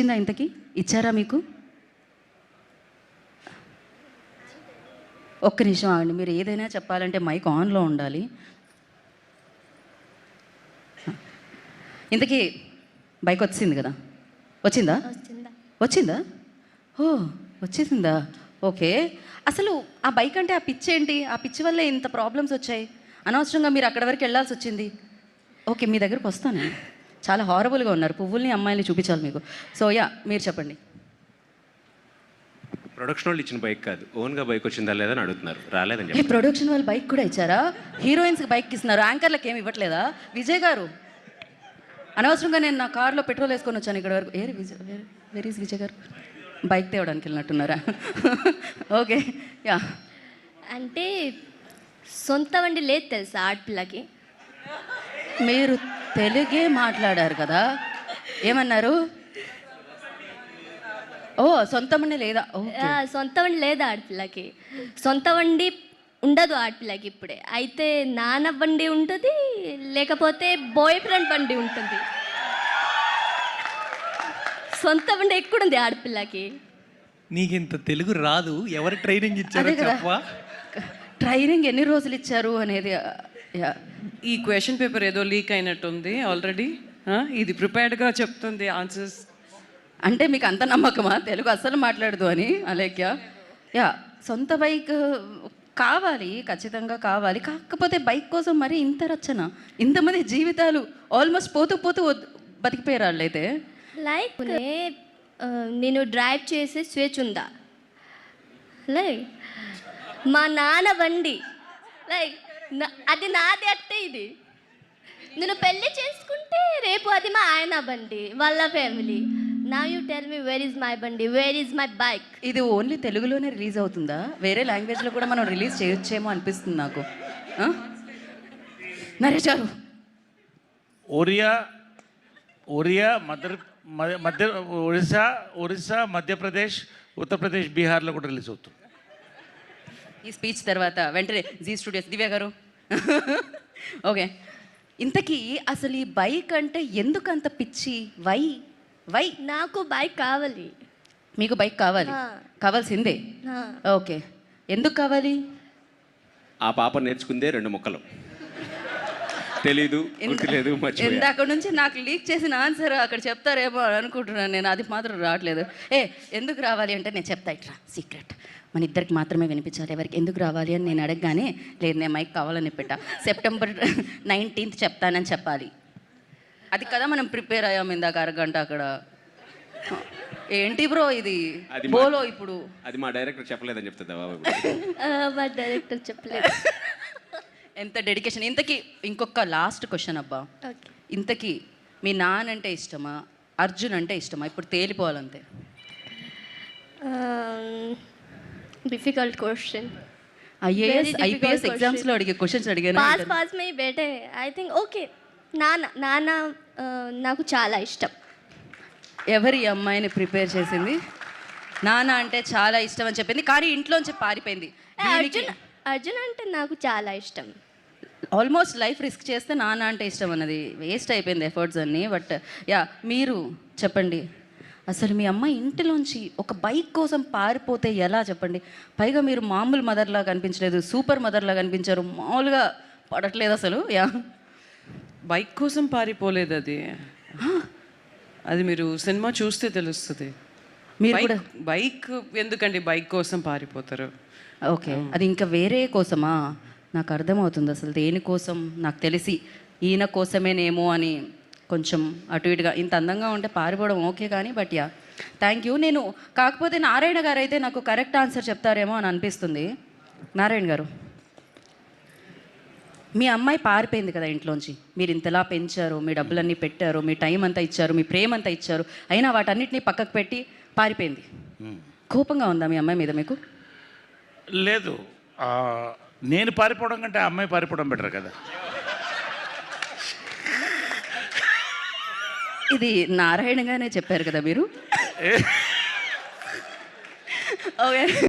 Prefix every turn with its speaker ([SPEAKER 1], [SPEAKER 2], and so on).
[SPEAKER 1] వచ్చిందా ఇంతకీ? ఇచ్చారా మీకు? ఒక్క నిమిషం ఆగండి. మీరు ఏదైనా చెప్పాలంటే మైక్ ఆన్లో ఉండాలి. ఇంతకీ బైక్ వచ్చింది కదా, వచ్చిందా? వచ్చిందా? ఓ వచ్చేసిందా? ఓకే. అసలు ఆ బైక్ అంటే ఆ పిచ్చి ఏంటి? ఆ పిచ్చి వల్లే ఇంత ప్రాబ్లమ్స్ వచ్చాయి. అనవసరంగా మీరు అక్కడి వరకు వెళ్ళాల్సి వచ్చింది. ఓకే, మీ దగ్గరకు వస్తాను. చాలా హారబుల్గా ఉన్నారు. పువ్వుల్ని అమ్మాయిని చూపించాలి మీకు. సో మీరు చెప్పండి.
[SPEAKER 2] ప్రొడక్షన్ వాళ్ళు ఇచ్చిన బైక్ కాదు, ఓన్గా బైక్ వచ్చిందా లేదా అని అడుగుతున్నారు. రాలేదని చెప్పి
[SPEAKER 1] ప్రొడక్షన్ వాళ్ళు బైక్ కూడా ఇచ్చారా? హీరోయిన్స్కి బైక్ ఇస్తున్నారు, యాంకర్లకు ఏమి ఇవ్వట్లేదా? విజయ్ గారు, అనవసరంగా నేను నా కార్లో పెట్రోల్ వేసుకొని వచ్చాను ఇక్కడ వరకు. వెరీ ఈజ్ విజయ్ గారు? బైక్ తేవడానికి వెళ్ళినట్టున్నారా? Okay yeah.
[SPEAKER 3] అంటే సొంత వండి లేదు తెలుసా ఆడపిల్లకి?
[SPEAKER 1] మీరు తెలుగే మాట్లాడారు కదా, ఏమన్నారు? ఓ సొంత వండి లేదా?
[SPEAKER 3] సొంత వండి లేదు ఆడపిల్లకి. సొంత వండి ఉండదు ఆడపిల్లకి ఇప్పుడే. అయితే నాన్న బండి ఉంటుంది, లేకపోతే బాయ్ ఫ్రెండ్ బండి ఉంటుంది. సొంత బండి ఎక్కడుంది ఆడపిల్లకి?
[SPEAKER 4] నీకు ఇంత తెలుగు రాదు, ఎవరు ట్రైనింగ్ ఇచ్చారు చెప్పవా?
[SPEAKER 1] ట్రైనింగ్ ఎన్ని రోజులు ఇచ్చారు అనేది.
[SPEAKER 5] ఈ క్వశ్చన్ పేపర్ ఏదో లీక్ అయినట్టుంది ఆల్రెడీ. ఇది ప్రిపేర్డ్గా చెప్తుంది ఆన్సర్స్.
[SPEAKER 1] అంటే మీకు అంత నమ్మకమా తెలుగు అస్సలు మాట్లాడదు అని అలేఖ్య? సొంత బైక్ కావాలి, ఖచ్చితంగా కావాలి. కాకపోతే బైక్ కోసం మరి ఇంత రచన, ఇంతమంది జీవితాలు ఆల్మోస్ట్ పోతూ పోతూ బతికిపోయారు వాళ్ళైతే.
[SPEAKER 3] లైక్ నేను డ్రైవ్ చేసే స్వేచ్ఛ ఉందా? లైక్ మా నాన్న బండి, లైక్ అది నాది అంటే ఇది. నేను పెళ్ళి చేసుకుంటే రేపు అది మా ఆయన బండి, వాళ్ళ ఫ్యామిలీ. నా you tell me where is my బండి, వేర్ ఈజ్ మై బైక్?
[SPEAKER 1] ఇది ఓన్లీ తెలుగులోనే రిలీజ్ అవుతుందా? వేరే లాంగ్వేజ్లో కూడా మనం రిలీజ్ చేయొచ్చేమో అనిపిస్తుంది నాకు. నరేష్ గారు,
[SPEAKER 6] ఒరియా ఒరిస్సా మధ్యప్రదేశ్, ఉత్తరప్రదేశ్, బీహార్లో కూడా రిలీజ్ అవుతుంది.
[SPEAKER 1] ఈ స్పీచ్ తర్వాత వెంటనే జీ స్టూడియోస్ దివ్య గారు. ఓకే, ఇంతకీ అసలు ఈ బైక్ అంటే ఎందుకు అంత పిచ్చి? వై
[SPEAKER 3] నాకు బైక్ కావాలి.
[SPEAKER 1] మీకు బైక్ కావాలి? కావాల్సిందే. ఓకే, ఎందుకు కావాలి?
[SPEAKER 2] ఆ పాప నేర్చుకుందే 2 ముక్కలు, తెలీదు, గుర్తులేదు,
[SPEAKER 1] ఇందాక నుంచి నాకు లీక్ చేసిన ఆన్సర్ అక్కడ చెప్తారేమో అనుకుంటున్నాను నేను. అది మాత్రం రావట్లేదు. ఎందుకు రావాలి అంటే నేను చెప్తా, ఇట్రా సీక్రెట్, మన ఇద్దరికి మాత్రమే వినిపించాలి. ఎవరికి ఎందుకు రావాలి అని నేను అడగగానే, లేదు నేను మైక్ కావాలని పెట్టా, సెప్టెంబర్ 19th చెప్తానని చెప్పాలి. అది కదా మనం ప్రిపేర్ అయ్యాము ఇందాక అరగంట అక్కడ. ఏంటి బ్రో ఇది బోలో? ఇప్పుడు
[SPEAKER 2] అది మా డైరెక్టర్ చెప్పలేదని చెప్తుందా?
[SPEAKER 3] మా డైరెక్టర్ చెప్పలేదు.
[SPEAKER 1] ఎంత డెడికేషన్. ఇంతకీ ఇంకొక లాస్ట్ క్వశ్చన్ అబ్బా, ఇంతకీ మీ నాన్న అంటే ఇష్టమా, అర్జున్ అంటే ఇష్టమా? ఇప్పుడు తేలిపోవాలంతే.
[SPEAKER 3] Difficult question.
[SPEAKER 1] ఐపీఎస్ ఎగ్జామ్స్లో అడిగే క్వశ్చన్స్ అడిగాను.
[SPEAKER 3] పాస్ మే బేటే. ఐ థింక్ ఓకే, నాన్న నాకు చాలా ఇష్టం.
[SPEAKER 1] ఎవరి అమ్మాయిని ప్రిపేర్ చేసింది? నాన్న అంటే చాలా ఇష్టం అని చెప్పింది, కానీ ఇంట్లోంచి పారిపోయింది.
[SPEAKER 3] అర్జున్ అంటే నాకు చాలా ఇష్టం.
[SPEAKER 1] ఆల్మోస్ట్ లైఫ్ రిస్క్ చేస్తే నాన్న అంటే ఇష్టం అన్నది వేస్ట్ అయిపోయింది ఎఫర్ట్స్ అన్నీ. బట్ మీరు చెప్పండి, అసలు మీ అమ్మాయి ఇంటిలోంచి ఒక బైక్ కోసం పారిపోతే ఎలా చెప్పండి? పైగా మీరు మామూలు మదర్లా కనిపించలేదు, సూపర్ మదర్లా కనిపించారు. మామూలుగా పడట్లేదు అసలు.
[SPEAKER 5] బైక్ కోసం పారిపోలేదు అది మీరు సినిమా చూస్తే తెలుస్తుంది. మీరు కూడా బైక్ ఎందుకండి బైక్ కోసం పారిపోతారు?
[SPEAKER 1] ఓకే, అది ఇంకా వేరే కోసమా? నాకు అర్థమవుతుంది అసలు దేనికోసం. నాకు తెలిసి ఈయన కోసమేనేమో అని కొంచెం అటు ఇటుగా. ఇంత అందంగా ఉంటే పారిపోవడం ఓకే కానీ, బట్ థ్యాంక్ యూ. నేను కాకపోతే నారాయణ గారు అయితే నాకు కరెక్ట్ ఆన్సర్ చెప్తారేమో అని అనిపిస్తుంది. నారాయణ గారు, మీ అమ్మాయి పారిపోయింది కదా ఇంట్లోంచి. మీరు ఇంతలా పెంచారు, మీ డబ్బులన్నీ పెట్టారు, మీ టైం అంతా ఇచ్చారు, మీ ప్రేమ అంతా ఇచ్చారు, అయినా వాటన్నిటిని పక్కకు పెట్టి పారిపోయింది. కోపంగా ఉందా మీ అమ్మాయి మీద మీకు?
[SPEAKER 6] లేదు, నేను పారిపోవడం కంటే ఆ అమ్మాయి పారిపోవడం బెటర్ కదా.
[SPEAKER 1] ఇది నారాయణగానే చెప్పారు కదా మీరు. ఓకే.